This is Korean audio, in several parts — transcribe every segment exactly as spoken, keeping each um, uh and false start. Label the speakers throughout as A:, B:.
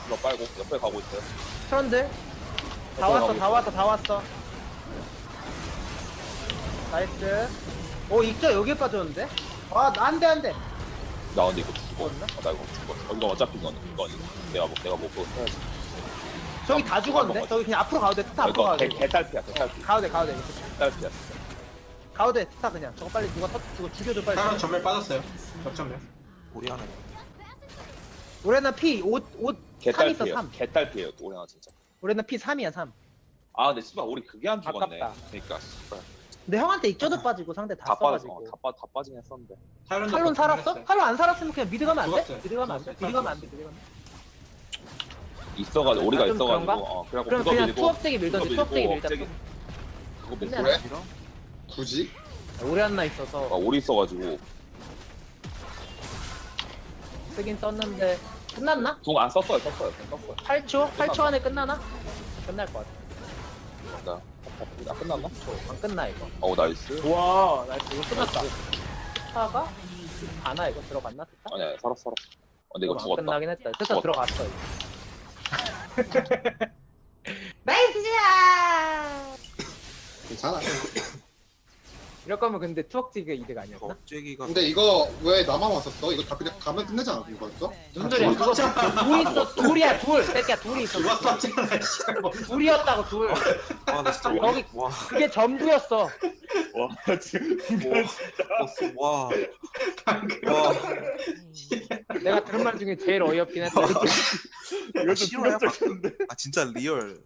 A: 이거 빨고 옆에 가고 있어요.
B: 트런들 다 왔어 다 왔어 다 왔어. 나이스. 오 익저 여기에 빠졌는데? 아 안돼 안돼.
A: 나 근데 이거 죽어.
B: 죽었나?
A: 아, 나 이거 죽어. 어, 이거 어차피 이건 이건 내가 뭐 내가 뭐 그거 해야지.
B: 저기 다 죽었는데? 저기 그냥 앞으로 가도 돼. 트타 앞으로
A: 이거
B: 가도
A: 개
B: 돼.
A: 개딸피야 개딸피.
B: 가도 돼 가도 돼.
A: 개딸피야.
B: 가도 돼 트타 그냥. 저거 빨리 누가 터 저거 죽여줘 빨리.
C: 사람 전멸 빠졌어요. 역전멸.
D: 우리 하나.
B: 올해는 피 오 오 삼 있어
A: 개딸피예요.
B: 삼.
A: 개딸피예요. 올해나 진짜.
B: 올해는 피 삼이야 삼.
A: 아 근데 씨발 우리 그게 안 죽었네.
B: 아깝다.
A: 그러니까 씨발
B: 근데 형한테 익저도 빠지고 상대 다,
A: 다 빠졌어.
B: 써가지고.
A: 어, 다 빠, 다 빠지긴 했었는데.
C: 탈론도
B: 탈론 살았어?
C: 전멸했어요.
B: 탈론 안 살았으면 그냥 미드 가면 안 돼?
C: 죽었어요.
B: 미드 가면 안 돼?
C: 죽었어요.
B: 미드 가면 안 돼? 미드 가면 안 돼?
A: 있어가지고 우리가
B: 아, 좀
A: 있어가지고
B: 그런가?
A: 어 그래갖고
B: 그럼
A: 그거
B: 그냥
A: 밀고
B: 투업대기 밀던지
A: 그거
B: 투업대기
A: 밀고
B: 밀자.
A: 억제기. 그거 밀고
B: 끝내나?
E: 그래? 굳이?
B: 오래 한나
A: 아
B: 있어서
A: 오리 있어가지고
B: 쓰긴 썼는데 끝났나?
A: 궁 안 썼어요. 썼어요. 궁 썼어요.
B: 팔 초? 팔 초 안에 끝나나? 끝날 것 같아.
A: 나, 나 끝났나?
B: 안 끝나 이거.
A: 어 나이스.
B: 와, 나 이거 끝났다. 스타가 가나 이거 들어갔나? 스타?
A: 아니야 살았어 살았어. 어, 근데 이거
B: 안
A: 죽었다.
B: 끝나긴 했다. 스타
A: 죽었다.
B: 들어갔어 이거. 나이스야!
E: 괜찮아.
B: 이럴 거면 근데 투억지가 이득 아니었나?
D: 억제기가.
E: 근데 이거 왜 나만 왔었어? 이거 다 그냥 가면 끝내잖아 이거였어?
B: 무슨 소리야? 그거 둘이 있어. 둘이야 둘. 새끼야 둘이 있어.
C: 죽었었잖아. 씨발 뭐.
B: 둘이었다고 둘.
D: 와, 나 진짜
B: 거기-
D: 와,
B: 그게 전부였어.
A: 와 지금
D: 와, 와, 와.
B: 내가 들은 말 중에 제일 어이없긴 했다.
D: 이거 실화야? 아 진짜 리얼.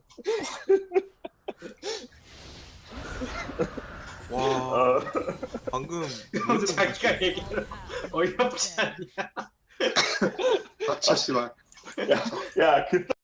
D: 와, 방금
C: 형 자기가 얘기를 어이없지 않냐.
E: 닥쳐 씨발.
A: 야그